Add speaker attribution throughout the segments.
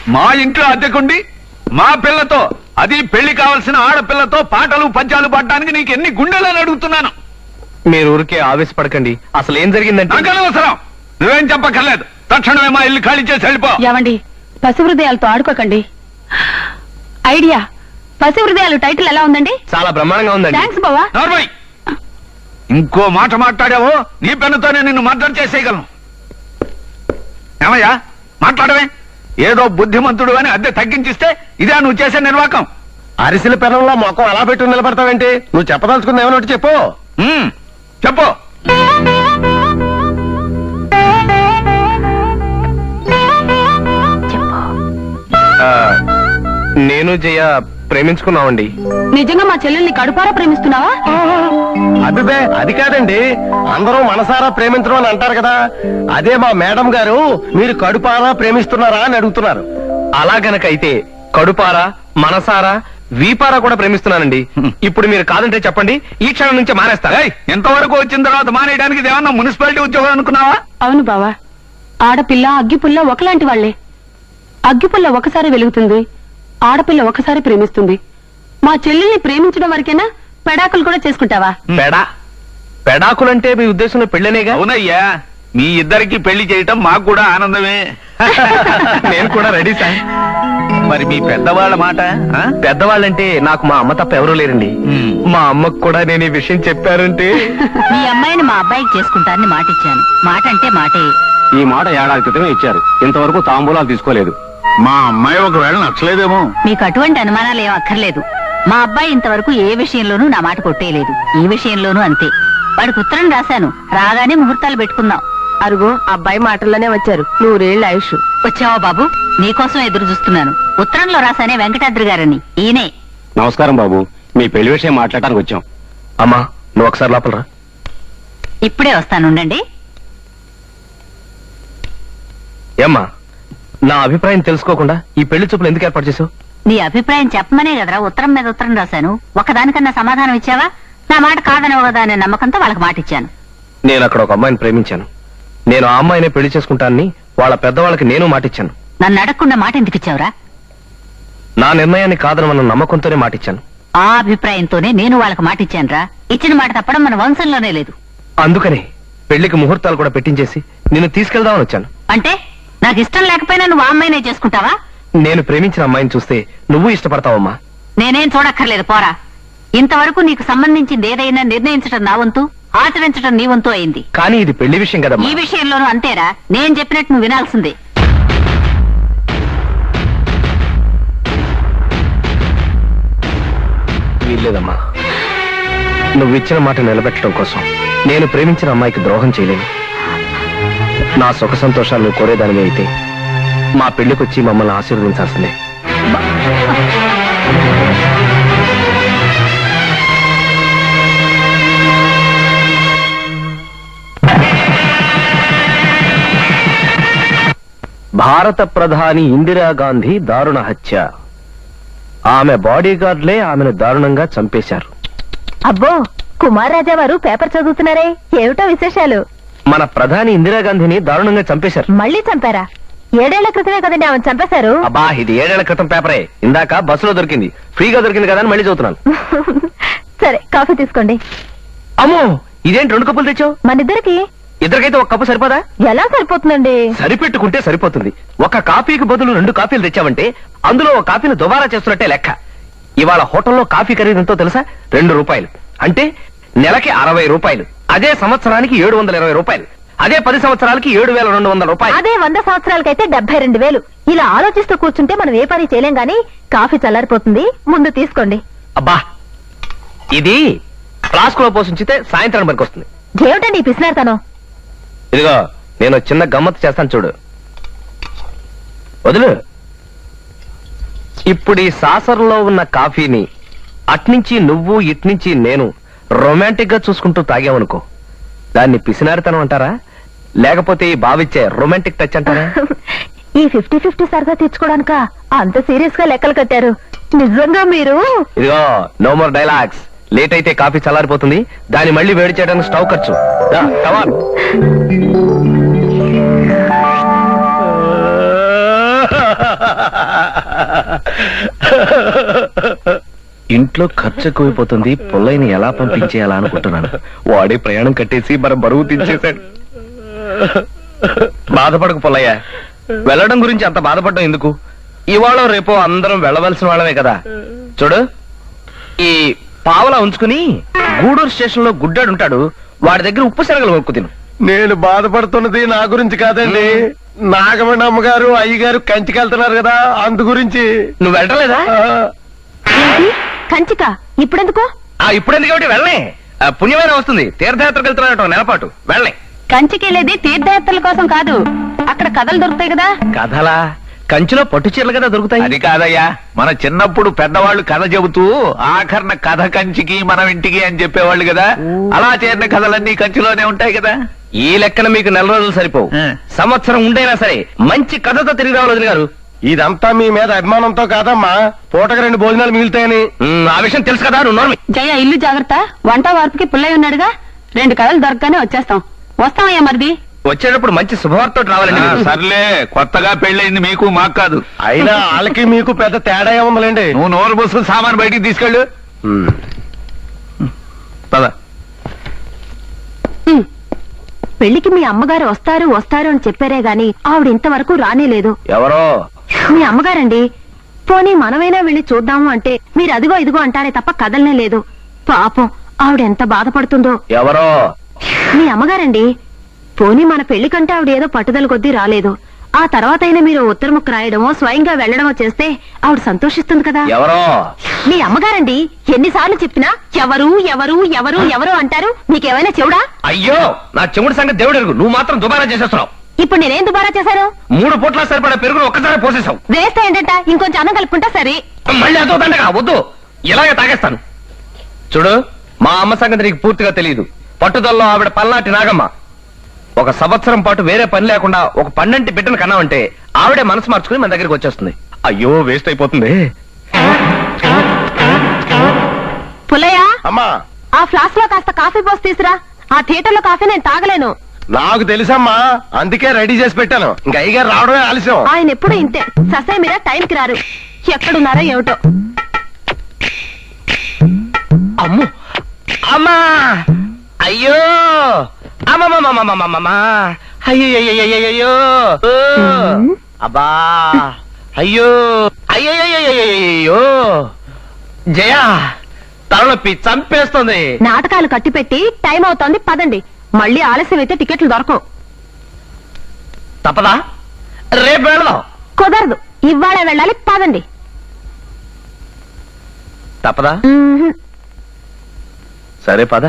Speaker 1: మా ఇంట్లో అద్దెకుండి మా పిల్లతో, అది పెళ్లి కావాల్సిన ఆడపిల్లతో పాటలు పద్యాలు పాడడానికి నీకు ఎన్ని గుండెలని అడుగుతున్నాను.
Speaker 2: మీరు ఊరికే ఆవేశపడకండి. అసలు ఏం జరిగిందంటే
Speaker 1: నాకు అనవసరం, నువ్వేం చెప్పక్కర్లేదు. తక్షణమే మా ఇల్లు ఖాళీ చేసి వెళ్ళిపో.
Speaker 3: ఏమండి, పసి హృదయాలతో ఆడుకోకండి. ఐడియా, పసి హృదయాలు టైటిల్ ఎలా ఉందండి?
Speaker 2: చాలా బ్రహ్మాండంగా ఉందండి.
Speaker 3: థ్యాంక్స్ బావా.
Speaker 1: నార్మల్, ఇంకో మాట మాట్లాడావో నీ పెన్నుతోనే నిన్ను మర్డర్ చేసేయగలను. ఏమయ్యా మాట్లాడవే? ఏదో బుద్ధిమంతుడు అని అద్దె తగ్గించిస్తే ఇదే నువ్వు చేసే నిర్వాకం.
Speaker 2: అరిసెల పెనంలో మొక్కం అలా పెట్టి నిలబడతావేంటి? నువ్వు చెప్పదలుచుకుంది ఏమన్నట్టు చెప్పు.
Speaker 1: చెప్పు.
Speaker 2: నేను జయ ప్రేమించుకున్నామండి.
Speaker 3: నిజంగా మా చెల్లెల్ని కడుపారా ప్రేమిస్తున్నావా?
Speaker 2: అభిబే అది కాదండి, అందరూ మనసారా ప్రేమించడం అని అంటారు కదా, అదే మా మేడం గారు మీరు కడుపారా ప్రేమిస్తున్నారా అని అడుగుతున్నారు. అలా గనకైతే కడుపారా, మనసారా, వీపారా కూడా ప్రేమిస్తున్నానండి. ఇప్పుడు మీరు కాదంటే చెప్పండి, ఈ క్షణం నుంచి మానేస్తా.
Speaker 1: ఎంతవరకు వచ్చిన తర్వాత మానేయడానికి ఏమన్నా మున్సిపాలిటీ ఉద్యోగం అనుకున్నావా?
Speaker 3: అవును బావా, ఆడపిల్ల అగ్గిపుల్ల ఒకలాంటి వాళ్లే. అగ్గిపుల్ల ఒకసారి వెలుగుతుంది, ఆడపిల్ల ఒకసారి ప్రేమిస్తుంది. మా చెల్లెల్ని ప్రేమించడం వరకేనా? పెడాకులు కూడా చేసుకుంటావా?
Speaker 2: పెడాకులంటే మీ ఉద్దేశంలో పెళ్ళనేగా?
Speaker 1: అవునయ్యా, మీ ఇద్దరికి పెళ్లి చేయటం మాకు కూడా ఆనందమే.
Speaker 2: నేను కూడా రెడీ సార్.
Speaker 1: మరి మీ పెద్దవాళ్ళ మాట?
Speaker 2: పెద్దవాళ్ళంటే నాకు మా అమ్మ తప్ప ఎవరూ లేరండి. మా అమ్మకు కూడా నేను ఈ విషయం చెప్పారంటే
Speaker 4: మీ అమ్మాయిని మా అబ్బాయికి చేసుకుంటానని మాట ఇచ్చాను. మాట అంటే మాటే.
Speaker 2: ఈ మాట ఏడాది క్రితమే ఇచ్చారు, ఇంతవరకు తాంబూలాలు తీసుకోలేదు.
Speaker 1: మా అమ్మాయి ఒకవేళ నచ్చలేదేమో.
Speaker 4: మీకు అటువంటి అనుమానాలు ఏం అక్కర్లేదు. మా అబ్బాయి ఇంతవరకు ఏ విషయంలోనూ నా మాట కొట్టేయలేదు. ఈ విషయంలోనూ అంతే. వాడికి ఉత్తరం రాశాను, రాగానే ముహూర్తాలు పెట్టుకుందాం.
Speaker 3: అరుగో అబ్బాయి మాటల్లోనే వచ్చారు. 100 ఏళ్ల ఆయుష్.
Speaker 4: వచ్చావా బాబు? నీకోసం ఎదురు చూస్తున్నాను. ఉత్తరంలో రాశానే వెంకటాద్రి గారని, ఈయనే.
Speaker 2: నమస్కారం బాబు, మీ పెళ్లి విషయం మాట్లాడటానికి వచ్చాం. అమ్మా నువ్వు ఒకసారి లోపలరా.
Speaker 4: ఇప్పుడే వస్తానుండండి.
Speaker 2: ఏమ్మా, నా అభిప్రాయం తెలుసుకోకుండా ఈ పెళ్లి చూపులు ఎందుకు ఏర్పాటు చేసావు?
Speaker 4: నీ అభిప్రాయం చెప్పమనే కదరా ఉత్తరం మీద ఉత్తరం రాశాను. ఒకదానికన్నా సమాధానం ఇచ్చావా? నా మాట కాదనవు కదా అనే నమ్మకంతో వాళ్ళకి మాట ఇచ్చాను.
Speaker 2: నేను అక్కడ ఒక అమ్మాయిని ప్రేమించాను. నేను ఆ అమ్మాయినే పెళ్లి చేసుకుంటానని వాళ్ళ పెద్దవాళ్ళకి నేను మాటిచ్చాను.
Speaker 4: నన్ను అడగకుండా మాట ఎందుకు ఇచ్చావురా?
Speaker 2: నా నిర్ణయాన్ని కాదనమన్న నమ్మకంతోనే మాటిచ్చాను.
Speaker 4: ఆ అభిప్రాయంతోనే నేను వాళ్ళకి మాట ఇచ్చానురా. ఇచ్చిన మాట తప్పడం మన వంశంలోనే లేదు.
Speaker 2: అందుకనే పెళ్లికి ముహూర్తాలు కూడా పెట్టించేసి నిన్ను తీసుకెళ్దామని వచ్చాను.
Speaker 4: అంటే నాకు ఇష్టం లేకపోయినా నువ్వు ఆ అమ్మాయినే చేసుకుంటావా?
Speaker 2: నేను ప్రేమించిన అమ్మాయిని చూస్తే నువ్వు ఇష్టపడతావమ్మా.
Speaker 4: నేనేం చూడక్కర్లేదు, పోరా. ఇంతవరకు నీకు సంబంధించింది ఏదైనా నిర్ణయించడం నా వంతు, ఆచరించడం నీ వంతు అయింది.
Speaker 2: కానీ ఇది పెళ్లి విషయం కదమ్మా.
Speaker 4: ఈ విషయంలోనూ అంతేరా. నేను చెప్పినట్టు నువ్వు వినాల్సిందే.
Speaker 2: వీల్లేదమ్మా. నువ్వు ఇచ్చిన మాట నిలబెట్టడం కోసం నేను ప్రేమించిన అమ్మాయికి ద్రోహం చేయలేను. నా సుఖ సంతోషాలు నువ్వు కోరేదానివి అయితే మా పెళ్లికొచ్చి మమ్మల్ని ఆశీర్వదించాల్సిందే. భారత ప్రధాని ఇందిరాగాంధీ దారుణ హత్య. ఆమె బాడీ గార్డ్లే ఆమెను దారుణంగా చంపేశారు.
Speaker 3: అబ్బో, కుమార్ రాజా వారు పేపర్ చదువుతున్నారే, ఏమిటో విశేషాలు?
Speaker 2: మన ప్రధాని ఇందిరాగాంధీని దారుణంగా చంపేశారు.
Speaker 3: మళ్ళీ చంపారా? 7 ఏళ్ల క్రితమే కదండి ఆమెను చంపేశారు.
Speaker 2: అబ్బా, ఇది 7 ఏళ్ల క్రితం పేపరే. ఇందాక బస్సులో దొరికింది, ఫ్రీగా దొరికింది కదా అని మళ్ళీ చదువుతున్నాను.
Speaker 3: సరే, కాఫీ తీసుకోండి.
Speaker 2: అమ్మో, ఇదేంటి 2 కప్పులు తెచ్చావు?
Speaker 3: మనిద్దరికి.
Speaker 2: ఇద్దరికైతే ఒక కప్పు సరిపోదా?
Speaker 3: ఎలా సరిపోతుందండి?
Speaker 2: సరిపెట్టుకుంటే సరిపోతుంది. ఒక కాఫీకి బదులు 2 కాఫీలు తెచ్చావంటే అందులో ఒక కాఫీని దుబారా చేస్తున్నట్టే లెక్క. ఇవాళ హోటల్లో కాఫీ ఖరీదు ఎంతో తెలుసా? 2 రూపాయలు. అంటే నెలకి 60 రూపాయలు. అదే సంవత్సరానికి 720 రూపాయలు. అదే 10 సంవత్సరాలకి 7,200 రూపాయలు.
Speaker 3: అదే 100 సంవత్సరాలకైతే 72,000. ఇలా ఆలోచిస్తూ కూర్చుంటే మనం ఏ పని చేయలేం గానీ కాఫీ చల్లారిపోతుంది, ముందు తీసుకోండి.
Speaker 2: అబ్బా, ఇది ఫ్లాస్క్ లో పోషించితే సాయంత్రం వరకు వస్తుంది.
Speaker 3: ఏమిటండి ఈ పిసినారుతనం?
Speaker 2: ఇదిగో, నేను చిన్న గమ్మత్తు చేస్తాను చూడు. వదులు. ఇప్పుడు ఈ సాసర్లో ఉన్న కాఫీని అట్నుంచి నువ్వు ఇట్నుంచి నేను రొమాంటిక్ గా చూసుకుంటూ తాగామనుకో, దాన్ని పిసినారితనం అంటారా, లేకపోతే ఈ బావిచ్చే రొమాంటిక్ టచ్ అంటారా?
Speaker 3: ఈ 50-50 సరదా తీర్చుకోవడానిక అంత సీరియస్ గా లెక్కలు కట్టారు? నిజంగా మీరు?
Speaker 2: ఇదిగో, నో మోర్ డైలాగ్స్. లేట్ అయితే కాఫీ చల్లారిపోతుంది, దాన్ని మళ్ళీ వేడి చేయడానికి స్టవ్ ఖర్చు. కమాన్. ఇంట్లో ఖర్చు ఎక్కువైపోతుంది, పుల్లయ్యని ఎలా పంపించేయాలా అనుకుంటున్నాను. వాడే ప్రయాణం కట్టేసి మన బరువు తెచ్చేశాడు. బాధపడకు పుల్లయ్య, వెళ్ళడం గురించి అంత బాధపడడం ఎందుకు? ఇవాళ రేపో అందరం వెళ్ళవలసిన వాళ్ళమే కదా. చూడు, ఈ పావలా ఉంచుకుని గూడూరు స్టేషన్ లో గుడ్డాడు ఉంటాడు, వాడి దగ్గర ఉప్పు శనగలు కొనుక్కు తిను. నేను బాధపడుతున్నది నా గురించి కాదండి, నాగమణి అమ్మగారు అయ్యగారు కంచికి వెళ్తున్నారు కదా, అందు గురించి. నువ్వు వెళ్ళలేదా?
Speaker 3: ఏంటి కంచిక ఇప్పుడెందుకు?
Speaker 2: ఇప్పుడెందుకు కాబట్టి వెళ్ళే, పుణ్యమైన వస్తుంది. తీర్థయాత్రకు వెళ్తున్నారట నెలపాటు, వెళ్ళే.
Speaker 3: కంచికెళ్ళేది తీర్థయాత్రల కోసం కాదు, అక్కడ కథలు దొరుకుతాయి కదా.
Speaker 2: కథలా? కంచిలో పట్టు చీరలు కదా దొరుకుతాయి.
Speaker 1: అది కాదయ్యా, మన చిన్నప్పుడు పెద్దవాళ్ళు కథ చెబుతూ ఆఖరణ కథ కంచికి మనం ఇంటికి అని చెప్పేవాళ్ళు కదా, అలా చేరిన కథలన్నీ కంచిలోనే ఉంటాయి కదా.
Speaker 2: ఈ లెక్కన మీకు నెల రోజులు సరిపోవు, సంవత్సరం ఉండైనా సరే మంచి కథతో తిరిగి రావాలి వదిన గారు. ఇదంతా మీ మీద అభిమానంతో కాదమ్మా, పూటకు 2 భోజనాలు మిగులుతాయని. ఆ విషయం తెలుసు కదా, నువ్వు నోర్మి.
Speaker 3: జయ ఇల్లు జాగ్రత్త, వంట వార్పుకి పుల్లయ్య ఉన్నాడుగా, 2 కథలు దొరకగానే వచ్చేస్తాం. వస్తామయ్యా మరిది.
Speaker 2: వచ్చేటప్పుడు మంచి శుభవార్త రావాలండి.
Speaker 1: సర్లే, కొత్తగా పెళ్ళయింది మీకు మాకు కాదు.
Speaker 2: అయినా వాళ్ళకి మీకు పెద్ద తేడా ఏముందండి.
Speaker 1: నువ్వు నోరు పోసుకుని సామాన్ బయటికి తీసుకెళ్ళు. పద.
Speaker 3: పెళ్లికి మీ అమ్మగారు వస్తారు వస్తారు అని చెప్పారే గాని ఆవిడ ఇంతవరకు రానేలేదు.
Speaker 2: ఎవరో
Speaker 3: మీ అమ్మగారండి. పోనీ మనమైనా వెళ్ళి చూద్దాము అంటే మీరు అదిగో ఇదిగో అంటారే తప్ప కదలనే లేదు. పాపం ఆవిడ ఎంత బాధపడుతుందో.
Speaker 2: ఎవరో
Speaker 3: మీ అమ్మగారండి. పోనీ మన పెళ్లి కంటే ఆవిడ ఏదో పట్టుదల కొద్దీ రాలేదు. ఆ తర్వాత అయినా మీరు ఉత్తర ముక్క రాయడమో స్వయంగా వెళ్లడమో చేస్తే ఆవిడ సంతోషిస్తుంది కదా.
Speaker 2: ఎవరో
Speaker 3: మీ అమ్మగారండి. ఎన్నిసార్లు చెప్పినా ఎవరు ఎవరు ఎవరు ఎవరు అంటారు, మీకేమైనా చెవుడా?
Speaker 2: అయ్యో, నా చెముడు సంగతి దేవుడు ఎరుగు, నువ్వు మాత్రం దుబారా చేసేస్తున్నావు.
Speaker 3: ఇప్పుడు నేనేం దుబారా చేశాను?
Speaker 2: 3 పూట్ల సరిపడా పెరుగును ఒక్కసారి పోసేసావు.
Speaker 3: వేస్తే ఏంటంట, ఇంకొంచెం అన్నం కలుపుకుంటా సరే.
Speaker 2: మళ్ళీ అదో దండగా వద్దు, ఇలాగే తాగేస్తాను. చూడు, మా అమ్మ సంగతి నీకు పూర్తిగా తెలియదు. పట్టుదలలో ఆవిడ పల్నాటి నాగమ్మ. 1 సంవత్సరం పాటు వేరే పని లేకుండా ఒక 12 బిడ్డను కన్నామంటే ఆవిడే మనసు మార్చుకుని మన దగ్గరికి వచ్చేస్తుంది. అయ్యో, వేస్ట్ అయిపోతుంది.
Speaker 3: పుల్లయ్య,
Speaker 2: అమ్మా,
Speaker 3: ఆ ఫ్లాస్క్ లో కాస్త కాఫీ పోసి తీసురా. ఆ థియేటర్ లో కాఫీ నేను తాగలేను.
Speaker 2: నాకు తెలుసమ్మా, అందుకే రెడీ చేసి పెట్టాను. ఇంకా అయ్యగారు రావడమే ఆలస్యం.
Speaker 3: ఆయన ఎప్పుడు ఇంతే, ససే మీరా టైంకి రారు. ఎక్కడున్నారో ఏమిటో.
Speaker 2: అమ్ము, అమ్మా, అయ్యో, అమ్మమ్మమ్మమ్మమ్మమ్మమ్మా, అయ్యయ్యయ్యయ్యయ్యో, అబ్బా, అయ్యో, అయ్యయ్యయ్యయ్యో, జయ, తలనొప్పి చంపేస్తుంది.
Speaker 3: నాటకాలు కట్టిపెట్టి టైం అవుతోంది, పదండి. మళ్ళీ ఆలస్యం అయితే టికెట్లు దొరకవు.
Speaker 2: తప్పదా? రేపు వెళదాం.
Speaker 3: కుదరదు, ఇవాళ వెళ్ళాలి, పదండి.
Speaker 2: తప్పదా? సరే పద.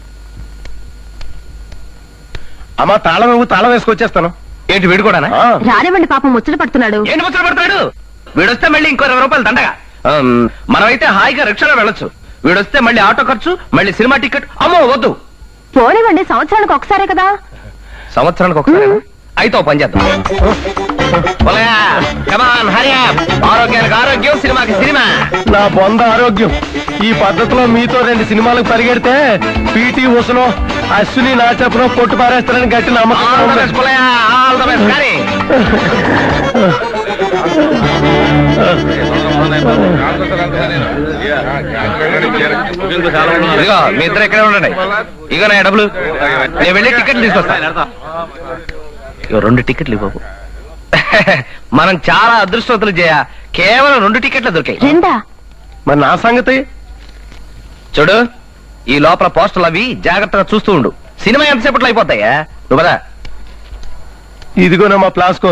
Speaker 2: అమ్మా, తాళం వేసుకొచ్చేస్తాను. ఏంటి, వీడు కూడా?
Speaker 3: రానివ్వండి, పాపం ముచ్చట పడుతున్నాడు.
Speaker 2: ఏంటి ముచ్చట పడతాడు? వీడొస్తే మళ్ళీ ఇంకో 20 రూపాయలు దండగా. మనమైతే హాయిగా రిక్షాలో వెళ్ళొచ్చు. వీడొస్తే మళ్ళీ ఆటో ఖర్చు, మళ్ళీ సినిమా టికెట్. అమ్మో వద్దు.
Speaker 3: పోనివ్వండి, సంవత్సరానికి ఒకసారే కదా.
Speaker 2: సంవత్సరానికి ఒకసారి అయితే ఓ పని చేద్దాం. ఆరోగ్యానికి ఆరోగ్యం, సినిమాకి సినిమా. నా బొంద ఆరోగ్యం. ఈ పద్ధతిలో మీతో 2 సినిమాలకు పరిగెడితే పీటీ ఉసనో అశ్విని నా చెప్పనో కొట్టు పారేస్తారని గట్టి నమ్మకం. ఇదిగో, మీ ఇద్దరు ఎక్కడే ఉండండి. ఇగో నా డబ్బులు, నేను వెళ్ళి టికెట్లు తీసుకొస్తా. 2 టికెట్లు ఇవ్వవు. మనం చాలా అదృష్టవంతులు చేయ, కేవలం 2 టికెట్లు దొరికాయి.
Speaker 3: రెండా?
Speaker 2: మరి నా సంగతి చూడు, ఈ లోపల పోస్టర్లు అవి జాగ్రత్తగా చూస్తూ ఉండు. సినిమా ఎంతసేపట్లో అయిపోతాయా? నువ్వు కదా. ఇదిగోనా మా ప్లాస్కో.